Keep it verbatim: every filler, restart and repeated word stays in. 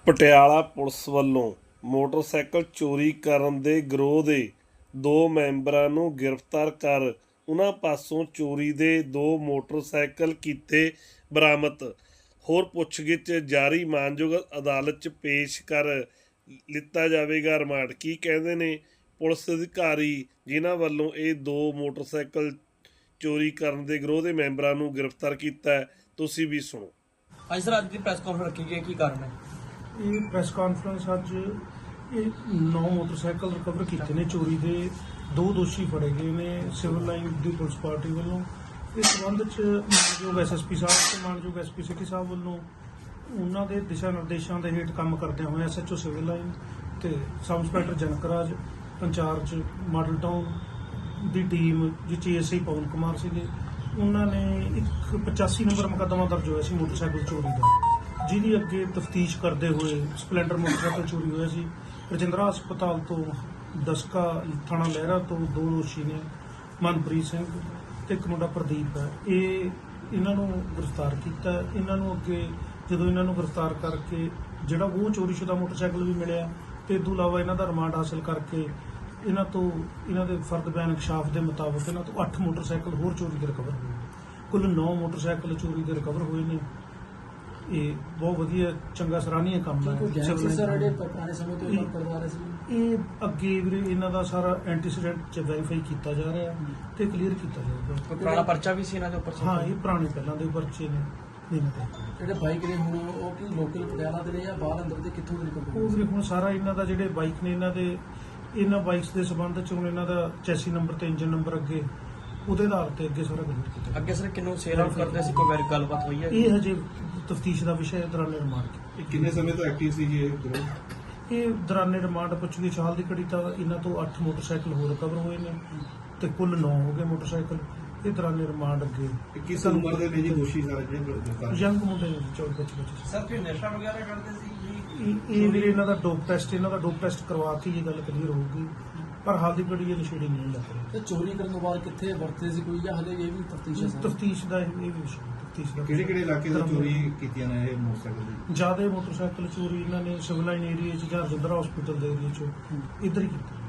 Patiala police ਵੱਲੋਂ motorcycle ਚੋਰੀ ਕਰਨ ਦੇ ਗਿਰੋਹ ਦੇ ਦੋ ਮੈਂਬਰਾਂ ਨੂੰ ਗ੍ਰਿਫਤਾਰ ਕਰ ਉਨ੍ਹਾਂ ਪਾਸੋਂ ਚੋਰੀ ਦੇ ਦੋ ਮੋਟਰਸਾਈਕਲ ਕੀਤੇ ਬਰਾਮਦ। ਹੋਰ ਪੁੱਛਗਿੱਛ ਜਾਰੀ, ਮਾਨਯੋਗ ਅਦਾਲਤ 'ਚ ਪੇਸ਼ ਕਰ ਲਿੱਤਾ ਜਾਵੇਗਾ ਰਿਮਾਂਡ। ਕੀ ਕਹਿੰਦੇ ਨੇ ਪੁਲਿਸ ਅਧਿਕਾਰੀ ਜਿਨ੍ਹਾਂ ਵੱਲੋਂ ਇਹ ਦੋ ਮੋਟਰਸਾਈਕਲ ਚੋਰੀ ਕਰਨ ਦੇ ਗਿਰੋਹ ਦੇ ਮੈਂਬਰਾਂ ਨੂੰ ਗ੍ਰਿਫਤਾਰ ਕੀਤਾ ਹੈ, ਤੁਸੀਂ ਵੀ ਸੁਣੋ। ਅੱਜ ਸਰ ਅੱਜ ਦੀ ਪ੍ਰੈਸ ਕਾਨਫਰੰਸ ਰੱਖੀ ਗਈ, ਕੀ ਕਾਰਨ ਹੈ? ਇਹ ਪ੍ਰੈਸ ਕਾਨਫਰੰਸ ਅੱਜ ਇਹ ਨੌ ਮੋਟਰਸਾਈਕਲ ਰਿਕਵਰ ਕੀਤੇ ਨੇ ਚੋਰੀ ਦੇ। ਦੋ ਦੋਸ਼ੀ ਫੜੇ ਗਏ ਨੇ ਸਿਵਲ ਲਾਈਨ ਦੀ ਪੁਲਿਸ ਪਾਰਟੀ ਵੱਲੋਂ। ਇਸ ਸੰਬੰਧ 'ਚ ਮਾਨਯੋਗ ਐਸ ਐਸ ਪੀ ਸਾਹਿਬ ਤੇ ਮਾਨਯੋਗ ਐਸ ਪੀ ਸਿਟੀ ਸਾਹਿਬ ਵੱਲੋਂ ਉਹਨਾਂ ਦੇ ਦਿਸ਼ਾ ਨਿਰਦੇਸ਼ਾਂ ਦੇ ਹੇਠ ਕੰਮ ਕਰਦਿਆਂ ਹੋਏ S H O civil line ਤੇ sub inspector Janakraj incharge model town ਦੀ ਟੀਮ ਜਿਸ 'ਚ ਏਐਸਆਈ ਪਵਨ ਕੁਮਾਰ ਸੀਗੇ, ਉਹਨਾਂ ਨੇ ਇੱਕ ਪਚਾਸੀ ਨੰਬਰ ਮੁਕੱਦਮਾ ਦਰਜ ਹੋਇਆ ਸੀ ਮੋਟਰਸਾਈਕਲ ਚੋਰੀ ਦਾ, ਜਿਹਦੀ ਅੱਗੇ ਤਫਤੀਸ਼ ਕਰਦੇ ਹੋਏ ਸਪਲੈਂਡਰ ਮੋਟਰਸਾਈਕਲ ਚੋਰੀ ਹੋਇਆ ਸੀ। ਰਜਿੰਦਰਾ ਹਸਪਤਾਲ ਤੋਂ ਦਸਕਾ ਥਾਣਾ ਲਹਿਰਾ ਤੋਂ ਦੋ ਦੋਸ਼ੀ ਨੇ, ਮਨਪ੍ਰੀਤ ਸਿੰਘ ਤੇ ਇੱਕ ਮੁੰਡਾ ਪ੍ਰਦੀਪ ਹੈ। ਇਹ ਇਹਨਾਂ ਨੂੰ ਗ੍ਰਿਫਤਾਰ ਕੀਤਾ। ਇਹਨਾਂ ਨੂੰ ਅੱਗੇ ਜਦੋਂ ਇਹਨਾਂ ਨੂੰ ਗ੍ਰਿਫਤਾਰ ਕਰਕੇ ਜਿਹੜਾ ਉਹ ਚੋਰੀਸ਼ੁਦਾ ਮੋਟਰਸਾਈਕਲ ਵੀ ਮਿਲਿਆ ਤੇ ਇਸ ਤੋਂ ਇਲਾਵਾ ਇਹਨਾਂ ਦਾ ਰਿਮਾਂਡ ਹਾਸਲ ਕਰਕੇ ਇਹਨਾਂ ਤੋਂ ਇਹਨਾਂ ਦੇ ਫਰਦ ਬਿਆਨ ਇਨਕਸ਼ਾਫ ਦੇ ਮੁਤਾਬਕ ਇਹਨਾਂ ਤੋਂ ਅੱਠ ਮੋਟਰਸਾਈਕਲ ਹੋਰ ਚੋਰੀ ਦੇ ਰਿਕਵਰ ਹੋਏ। ਕੁੱਲ ਨੌ ਮੋਟਰਸਾਈਕਲ ਚੋਰੀ ਦੇ ਰਿਕਵਰ ਹੋਏ ਨੇ। ਇਹ ਬਹੁਤ ਵਧੀਆ ਚੰਗਾ ਸਰਾਹਨੀय ਕੰਮ ਹੈ। ਪੁਰਾਣੇ ਸਮੇਂ ਤੋਂ ਇਹ ਕਰਵਾ ਰਹੇ ਸੀ। ਇਹ ਅੱਗੇ ਵੀਰੇ ਇਹਨਾਂ ਦਾ ਸਾਰਾ ਐਂਟੀਸੀਡੈਂਟ ਚ ਵੈਰੀਫਾਈ ਕੀਤਾ ਜਾ ਰਿਹਾ ਤੇ ਕਲੀਅਰ ਕੀਤਾ ਜਾਊਗਾ। ਪੁਰਾਣਾ ਪਰਚਾ ਵੀ ਸੀ ਇਹਨਾਂ ਦੇ ਉੱਪਰ? ਹਾਂ, ਇਹ ਪੁਰਾਣੇ ਪਹਿਲਾਂ ਦੇ ਪਰਚੇ ਨੇ। ਜਿਹੜੇ ਬਾਈਕ ਨੇ ਹੁਣ ਉਹ ਕੀ ਲੋਕਲ ਪਟਿਆਲਾ ਦੇ ਨੇ ਜਾਂ ਬਾਹਰ ਅੰਦਰ ਦੇ ਕਿੱਥੋਂ ਦੇ ਨੇ? ਉਹ ਵੀਰੇ ਹੁਣ ਸਾਰਾ ਇਹਨਾਂ ਦਾ ਜਿਹੜੇ ਬਾਈਕ ਨੇ ਇਹਨਾਂ ਦੇ ਇਹਨਾਂ ਬਾਈਕਸ ਦੇ ਸੰਬੰਧ ਚ ਹੁਣ ਇਹਨਾਂ ਦਾ ਚੈਸੀ ਨੰਬਰ ਤੇ ਇੰਜਨ ਨੰਬਰ ਅੱਗੇ ਉਹਦੇ ਆਧਾਰ ਤੇ ਅੱਗੇ ਸਾਰਾ ਕਲੀਅਰ ਕੀਤਾ। ਅੱਗੇ ਸਰ ਕਿੰਨੂੰ ਸੇਲ ਆਊਟ ਕਰਦੇ ਸੀ, ਕੋਈ ਵੈਰੀ ਗੱਲਬਾਤ ਹੋਈ ਹੈ? ਇਹ ਹਜੇ ਤਫਤੀਸ਼ ਦਾ ਵਿਸ਼ਾ ਹੈ। ਦੌਰਾਨੇ ਰਿਮਾਂਡ ਇਹ ਕਿੰਨੇ ਸਮੇਂ ਤੋਂ ਐਕਟਿਵ ਸੀ ਜੀ ਇਹ? ਇਹ ਦੌਰਾਨੇ ਰਿਮਾਂਡ ਪੁੱਛਗਿੱਛ ਹਾਲ ਦੀ ਘੜੀ ਤਾਂ ਇਹਨਾਂ ਤੋਂ ਅੱਠ ਮੋਟਰਸਾਈਕਲ ਹੋਰ ਰਿਕਵਰ ਹੋਏ ਨੇ ਤੇ ਕੁੱਲ ਨੌ ਹੋ ਗਏ ਮੋਟਰਸਾਈਕਲ। ਇਹ ਦੌਰਾਨੇ ਰਿਮਾਂਡ ਅੱਗੇ ਕਿਸ ਉਮਰ ਦੇ ਨੇ ਜੀ ਦੋਸ਼ੀ ਸਾਰੇ ਜਿਹੜੇ ਗ੍ਰਿਫਤਾਰ? ਯੰਗ ਮੁੰਡੇ ਨੇ, ਚੌਵੀ ਪੱਚੀ ਬੱਚੇ। ਸਰ ਕੋਈ ਨਸ਼ਾ ਵਗੈਰਾ ਕਰਦੇ ਸੀ ਜੀ? ਇਹ ਇਹ ਵੀਰੇ ਇਹਨਾਂ ਦਾ ਡੋਪ ਟੈਸਟ ਇਹਨਾਂ ਦਾ ਡੋਪ ਟੈਸਟ ਕਰਵਾ ਕੇ ਇਹ ਗੱਲ ਕਲੀਅਰ ਹੋਊਗੀ, ਪਰ ਹਾਲ ਦੀ ਘੜੀ ਇਹ ਨਸ਼ੇੜੀ ਨਹੀਂ ਲੱਗ ਰਹੀ। ਤੇ ਚੋਰੀ ਕਰਨ ਤੋਂ ਬਾਅਦ ਕਿੱਥੇ ਵਰਤੇ ਸੀ ਕੋਈ, ਜਾਂ ਹਲੇ ਇਹ ਵੀ ਤਫਤੀਸ਼ ਹੈ? ਤਫਤੀਸ਼ ਦਾ ਇਹ ਵੀ ਵਿਸ਼ਾ ਤਫਤੀਸ਼ ਦਾ। ਕਿਹੜੇ ਕਿਹੜੇ ਇਲਾਕੇ ਤੋਂ ਚੋਰੀ ਕੀਤੀਆਂ ਨੇ ਇਹ ਮੋਟਰਸਾਈਕਲ ਦੀ? ਜ਼ਿਆਦਾ ਮੋਟਰਸਾਈਕਲ ਚੋਰੀ ਇਹਨਾਂ ਨੇ ਸਿਵਲ ਲਾਈਨ ਏਰੀਆ 'ਚ ਜਾਂ ਰਜਿੰਦਰਾ ਹਸਪੀਟਲ ਦੇ ਏਰੀਆ 'ਚ ਇੱਧਰ ਹੀ ਕੀਤੀ।